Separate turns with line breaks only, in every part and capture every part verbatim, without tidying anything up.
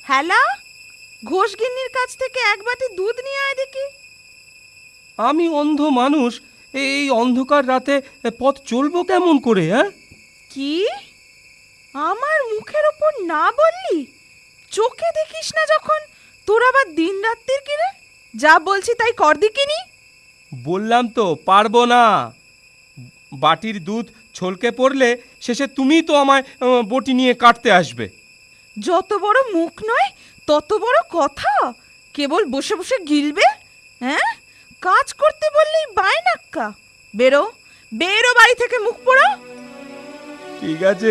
হ্যালা, ঘোষগিন্নির কাছ থেকে এক বাটি দুধ নিয়ে আয় দেখি।
আমি অন্ধ মানুষ, এই অন্ধকার রাতে পথ চলবো কেমন করে? হ্যাঁ,
কি আমার মুখের ওপর না বললি? চোখে দেখিস না যখন, তোর আবার দিন রাত্রির কিরে? যা বলছি তাই কর দিকিনি।
বললাম তো পারবো না। বাটির দুধ ছলকে পড়লে শেষে তুমিই তো আমায় আহ, বটি নিয়ে কাটতে আসবে।
যত বড় মুখ নয় তত বড় কথা, কেবল বসে বসে গিলবে। হ্যাঁ, কাজ করতে বললেই বায়নাক্কা। বেরো বেরো বাড়ি থেকে, মুখ পোড়া।
ঠিক আছে,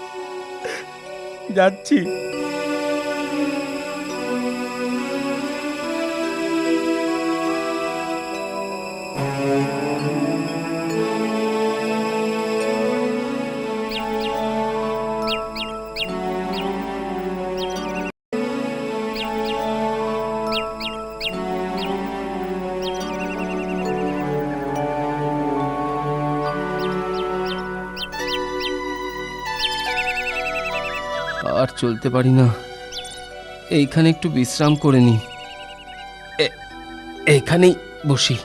যাচ্ছি। আর চলতে পারি না, এইখানে একটু বিশ্রাম করে নি। এইখানেই বসি।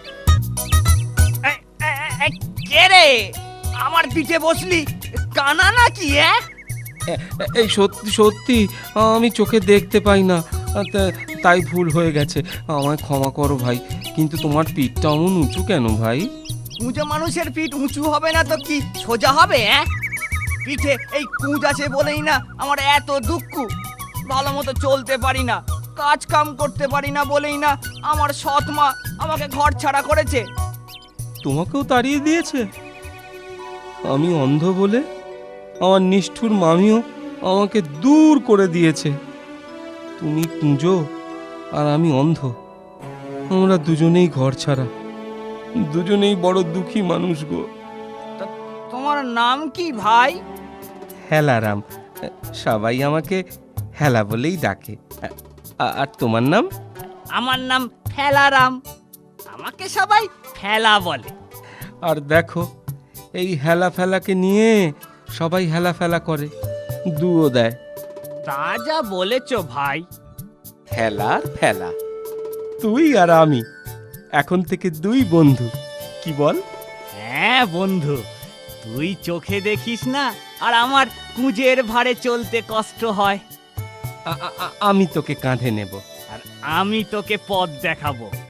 কে রে, আমার পিঠে বসলি? কানা নাকি? হ্যাঁ,
এই সত্যি সত্যি আমি চোখে দেখতে পাই না, তা- তাই ভুল হয়ে গেছে, আমায় ক্ষমা করো ভাই। কিন্তু তোমার পিঠটা অমন উঁচু কেন ভাই?
উঁচু মানুষের পিঠ উঁচু হবে না তো কি সোজা হবে? হ্যাঁ, পিঠে এই কুঁজ আছে বলেই না আমার এত দুঃখ। ভালো মতো চলতে পারি না, কাজ কাম করতে পারি না বলেই না আমার সৎ মা আমাকে ঘর ছাড়া করেছে।
তোমাকেও তাড়িয়ে দিয়েছে? আমি অন্ধ বলে আমার নিষ্ঠুর মামিও আমাকে দূর করে দিয়েছে। তুমি কুঁজো আর আমি অন্ধ, আমরা দুজনেই ঘর ছাড়া, দুজনেই বড় দুঃখী মানুষ গো।
তোমার নাম কি ভাই?
হেলারাম, সবাই আমাকে হেলা বলেই ডাকে। আ- আর তোমার নাম?
আমার নাম ফেলারাম, আমাকে সবাই ফেলা বলে।
আর দেখো, এই হেলা ফেলাকে নিয়ে সবাই হেলা ফেলা করে, দুও দেয়।
তা যা বলেছ ভাই।
হেলার ফেলা, তুই আর আমি এখন থেকে দুই বন্ধু, কি বল?
হ্যাঁ বন্ধু, তুই চোখে দেখিস না আর আমার কুঁজের ভারে চলতে কষ্ট হয়,
আ- আ- আ- আমি তোকে কাঁধে নেব।
আর আমি তোকে পথ দেখাবো।